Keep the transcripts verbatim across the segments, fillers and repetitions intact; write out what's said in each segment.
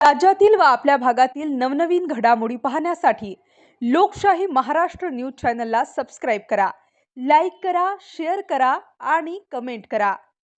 राज्यातील व आपल्या भागातील नवनवीन घडामोडी पाहण्यासाठी लोकशाही महाराष्ट्र न्यूज चॅनलला सबस्क्राइब करा, लाईक करा, शेअर करा आणि कमेंट करा.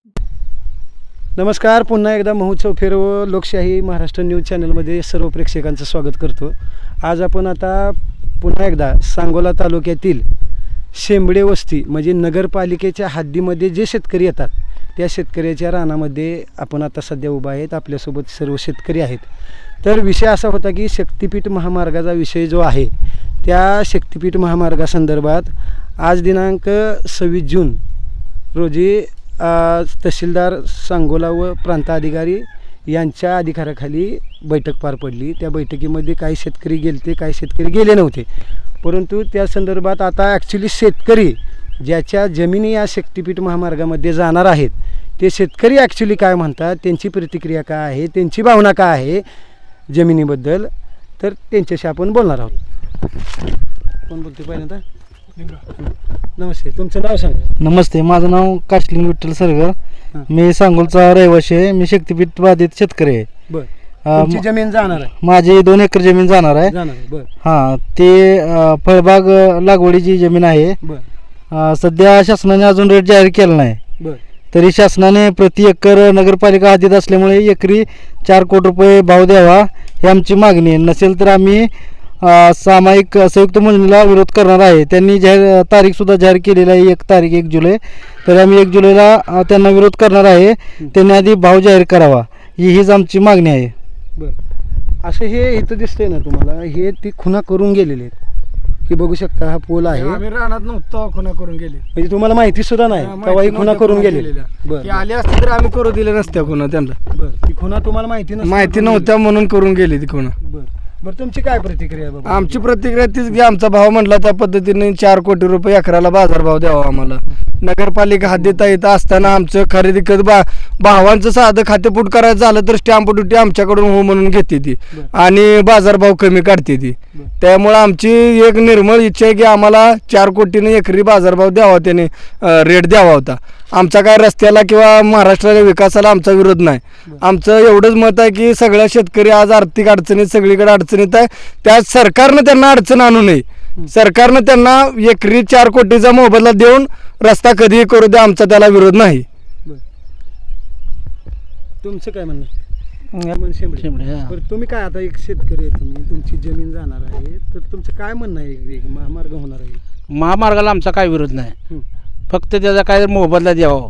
नमस्कार. पुन्हा एकदा महोत्सव फेर व लोकशाही महाराष्ट्र न्यूज चॅनलमध्ये सर्व प्रेक्षकांचं स्वागत करतो. आज आपण आता पुन्हा एकदा सांगोला तालुक्यातील शेंबडे वस्ती म्हणजे नगरपालिकेच्या हद्दीमध्ये जे शेतकरी येतात त्या शेतकऱ्याच्या रानामध्ये आपण आता सध्या उभा आहेत. आपल्यासोबत सर्व शेतकरी आहेत. तर विषय असा होता की शक्तिपीठ महामार्गाचा विषय जो आहे त्या शक्तिपीठ महामार्गासंदर्भात आज दिनांक सव्वीस जून रोजी तहसीलदार सांगोला व प्रांत अधिकारी यांच्या अधिकाराखाली बैठक पार पडली. त्या बैठकीमध्ये काही शेतकरी गेलते, काही शेतकरी गेले नव्हते. परंतु त्या संदर्भात आता ॲक्च्युली शेतकरी ज्याच्या जमिनी या शक्तिपीठ महामार्गामध्ये जाणार आहेत ते शेतकरी ॲक्च्युली काय म्हणतात, त्यांची प्रतिक्रिया काय आहे, त्यांची भावना काय आहे जमिनीबद्दल, तर त्यांच्याशी आपण बोलणार आहोत. कोण बोलते पहिल्यांदा? नमस्ते, तुमचं नाव सांगा. नमस्ते, माझं नाव काशलिंग विठ्ठल सरगर. मी सांगोलचा रहिवासी आहे. मी शक्तिपीठ बाधित शेतकरी आहे. बरं, तुमची जमीन जाणार आहे? माझी दोन एकर जमीन जाणार आहे. जाणार आहे. बरं. हां, ते फळबाग लागवडीची जमीन आहे. बरं. सध्या शासनाने अजून रेट जाहीर केला नाही. बरं. तरी शासनाने प्रति एकर नगरपालिका हद्दीत असल्यामुळे एकरी चार कोटी रुपये भाव द्यावा ही आमची मागणी आहे. नसेल तर आम्ही सामायिक संयुक्त मोजणीला विरोध करणार आहे. त्यांनी जाहीर तारीखसुद्धा जाहीर केलेली आहे, एक तारीख एक जुलै. तर आम्ही एक जुलैला त्यांना विरोध करणार आहे. त्यांनी आधी भाव जाहीर करावा ही हीच आमची मागणी आहे. बरं, असं हे इथं दिसतंय ना तुम्हाला, हे ती खुणा करून गेलेले आहेत. ही बघू शकता, हा पूल आहे. आम्ही रानात नव्हतो, खुणा करून गेले. म्हणजे तुम्हाला माहिती सुद्धा नाही तेव्हा ही खुणा करून गेलेल्या. बरं, आले असते तर आम्ही करू दिले नसत्या खुणा त्यांना. बरं, ती खुणा तुम्हाला माहिती नसते, माहिती नव्हत्या म्हणून करून गेली ती खुणा. बरं बरं, तुमची काय प्रतिक्रिया आहे बाबा? आमची प्रतिक्रिया तीच की आमचा भाव म्हटला त्या पद्धतीने चार कोटी रुपये एकराला बाजारभाव द्यावा आम्हाला. नगरपालिका हद्दीत येत असताना आमचं खरेदी कर बा भावांचं साधं खातेपूट करायचं झालं तर स्टॅम्प ड्युटी आमच्याकडून हो म्हणून घेते ती आणि बाजारभाव कमी काढते ती. त्यामुळे आमची एक निर्मळ इच्छा आहे की आम्हाला चार कोटीने एकरी बाजारभाव द्यावा, त्याने रेट द्यावा होता. आमचा काय रस्त्याला किंवा महाराष्ट्राच्या विकासाला आमचा विरोध नाही. आमचं एवढंच मत आहे की सगळ्या शेतकरी आज आर्थिक अडचणीत सगळीकडे अडचणीत आहे. त्या सरकारनं त्यांना अडचण आणू नये. सरकारनं त्यांना एकरी चार कोटीचा मोबदला देऊन रस्ता कधीही करू द्या, आमचा त्याला विरोध नाही. तुमचं काय म्हणणं? तुम्ही काय आता एक शेतकरी आहे, तुम्ही तुमची जमीन जाणार आहे, तर तुमचं काय म्हणणं आहे? महामार्ग होणार आहे, महामार्गाला आमचा काय विरोध नाही, फक्त त्याचा काय मोबदला द्यावा.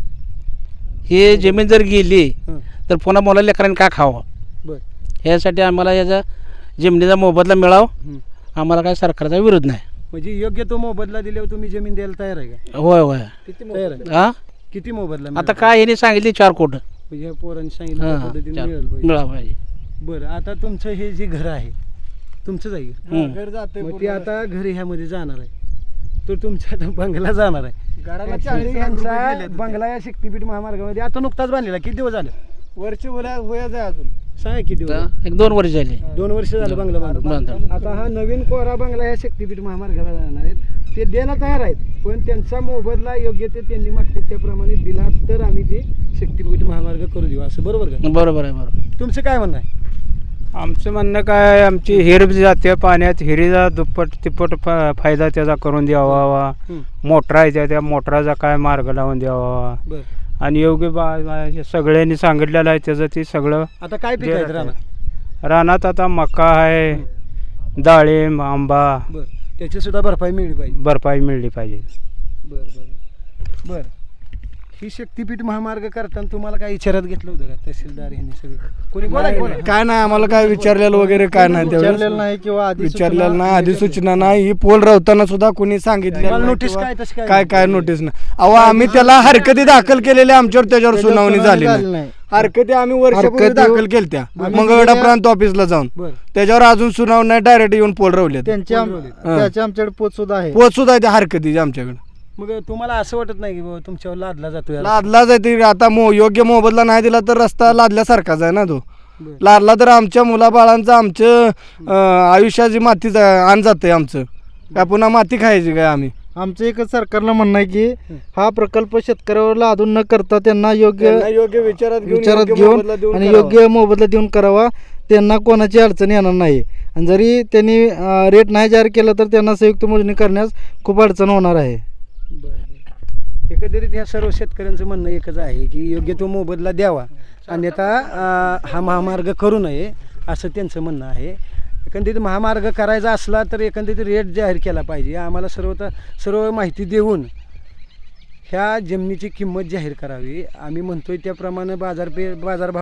हे जमीन जर गेली तर पुन्हा मुला लेकरांनी काय खावं, ह्यासाठी आम्हाला याचा जमिनीचा मोबदला मिळावा. आम्हाला काय सरकारचा विरोध नाही. म्हणजे योग्य तो मोबदला दिल्यावर तुम्ही जमीन द्यायला तयार आहे का? होय होय तयार आहे. हा, किती मोबदला? आता काय ह्याने सांगितले चार कोट म्हणजे पोरांनी सांगितलं पद्धतीने मिळालं पाहिजे. बरं, आता तुमचं हे जे घर आहे तुमचंच आहे, घर जाते मग ते आता घर ह्यामध्ये जाणार आहे, तर तुमचा आता बंगला जाणार आहे. घराला Actually ह्यांचा बंगला या शक्तिपीठ महामार्गामध्ये आता नुकताच बांधलेला. किती दिवस झाले? वर्ष वयाचं आहे अजून. सांगा किती दिवस? एक दोन वर्ष झाली. दोन वर्ष झालं बंगला बांधून. बांधून. आता हा नवीन कोरा बंगला या शक्तिपीठ महामार्गाला जाणार आहेत. ते द्यायला तयार आहेत, पण त्यांचा मोबदला योग्य ते त्यांनी मागतात त्याप्रमाणे दिला तर आम्ही ते शक्तिपीठ महामार्ग करू देऊ, असं बरोबर का? बरोबर आहे. बरोबर. तुमचं काय म्हणणं आहे? आमचं म्हणणं काय, आमची हिर जाते पाण्यात, हिरीचा दुप्पट तिप्पट फा फायदा त्याचा करून द्यावा. मोटरा आहे त्या मोटराचा काय मार्ग लावून द्यावा. बरं, आणि योग्य बा सगळ्यांनी सांगितलेलं आहे त्याचं ते सगळं. आता काय पीक आहेत रानात? रानात आता मका आहे, डाळिंब, आंबा. बरं, त्याची सुद्धा भरपाई मिळली पाहिजे. भरपाई मिळली पाहिजे. बरं बरं बरं. ही शक्तिपीठ महामार्ग करताना तुम्हाला काय विचारात घेतलं होतं का तहसीलदार यांनी सगळं? कोणी बोला काय नाही, आम्हाला काय विचारलेलं वगैरे काय नाही, विचारलेलं नाही किंवा आधी विचारलेलं नाही, अधिसूचना नाही. ही पोल रवताना सुद्धा कोणी सांगितलं नोटीस काय तशी काय काय नोटीस नाही. अहो आम्ही त्याला हरकती दाखल केलेल्या, आमच्यावर त्याच्यावर सुनावणी झाली नाही. हरकती आम्ही वर्षापूर्वी दाखल केलत्या मंगळवेढा प्रांत ऑफिसला जाऊन. त्याच्यावर अजून सुनावणी नाही, डायरेक्ट येऊन पोल रवले. त्यांच्या त्याच्या आमच्याकडे पोच सुद्धा आहे. पोच सुद्धा आहे त्या हरकती आमच्याकडे. मग तुम्हाला असं वाटत नाही की बाबा तुमच्यावर लादला जातोय? लादला जाते आता मो योग्य मोबदला नाही दिला तर रस्ता लादल्यासारखाच आहे ना तो. लादला तर आमच्या मुलाबाळांचं आमचं आयुष्याची माती आण जाते आमचं. काय पुन्हा माती खायची काय आम्ही? आमचं एकच सरकारला म्हणणं आहे की हा प्रकल्प शेतकऱ्यावर लादून न करता त्यांना योग्य योग्य विचारात घेऊन विचारात योग्य घेऊन मोबदला देऊन आणि करावा. योग्य मोबदला देऊन करावा. त्यांना कोणाची अडचण येणार नाही आणि जरी त्यांनी रेट नाही जाहीर केलं तर त्यांना संयुक्त मोजणी करण्यास खूप अडचण होणार आहे. एकंदरीत ह्या सर्व शेतकऱ्यांचं म्हणणं एकच आहे की योग्य तो मोबदला द्यावा, अन्यथा अं, हा महामार्ग करू नये असं त्यांचं म्हणणं आहे. एकंदरीत महामार्ग करायचा असला तर एकंदरीत रेट जाहीर केला पाहिजे. आम्हाला सर्व सर्व माहिती देऊन ह्या जमिनीची किंमत जाहीर करावी. आम्ही म्हणतोय त्याप्रमाणे बाजारपे बाजारभाव